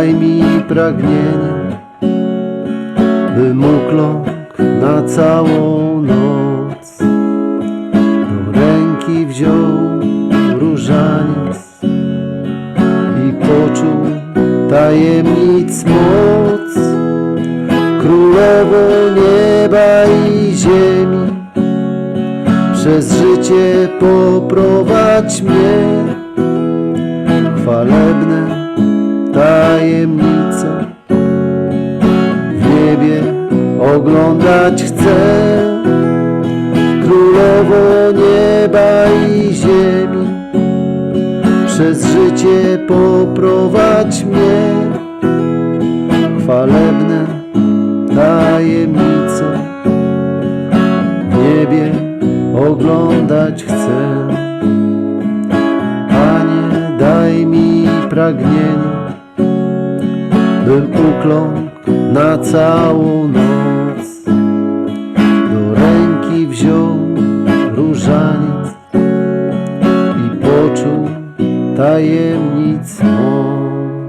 daj mi pragnienie, bym ukląkł na całą noc. Do ręki wziął różaniec i poczuł tajemnic moc. Królowo nieba i ziemi, przez życie poprowadź mnie. Chwalebne tajemnice w niebie oglądać chcę. Królowo nieba i ziemi, przez życie poprowadź mnie. Chwalebne tajemnice w niebie oglądać chcę. Panie, daj mi pragnienie, bym ukląkł na całą noc. Do ręki wziął różaniec i poczuł tajemnic moc.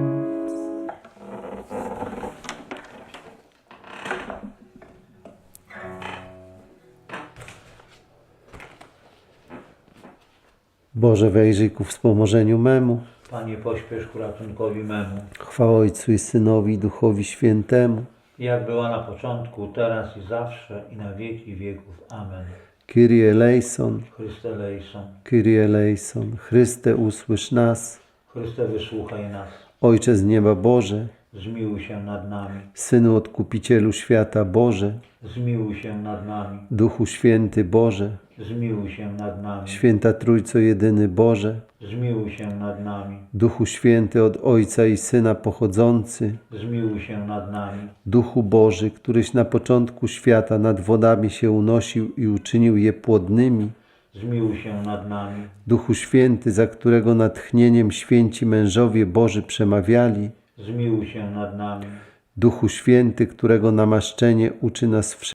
Boże, wejrzyj ku wspomożeniu memu. Panie, pośpiesz ku ratunkowi memu. Chwała Ojcu i Synowi i Duchowi Świętemu. Jak była na początku, teraz i zawsze, i na wieki wieków. Amen. Kyrie eleison, Chryste lejson. Kyrie eleison. Chryste, usłysz nas. Chryste, wysłuchaj nas. Ojcze z nieba Boże, Zmiłuj się nad nami. Synu Odkupicielu świata Boże, Zmiłuj się nad nami. Duchu Święty Boże, Zmiłuj się nad nami. Święta Trójco jedyny Boże, Zmiłuj się nad nami. Duchu Święty od Ojca i Syna pochodzący, Zmiłuj się nad nami. Duchu Boży, któryś na początku świata nad wodami się unosił i uczynił je płodnymi, Zmiłuj się nad nami. Duchu Święty, za którego natchnieniem święci mężowie Boży przemawiali, Zmiłuj się nad nami. Duchu Święty, którego namaszczenie uczy nas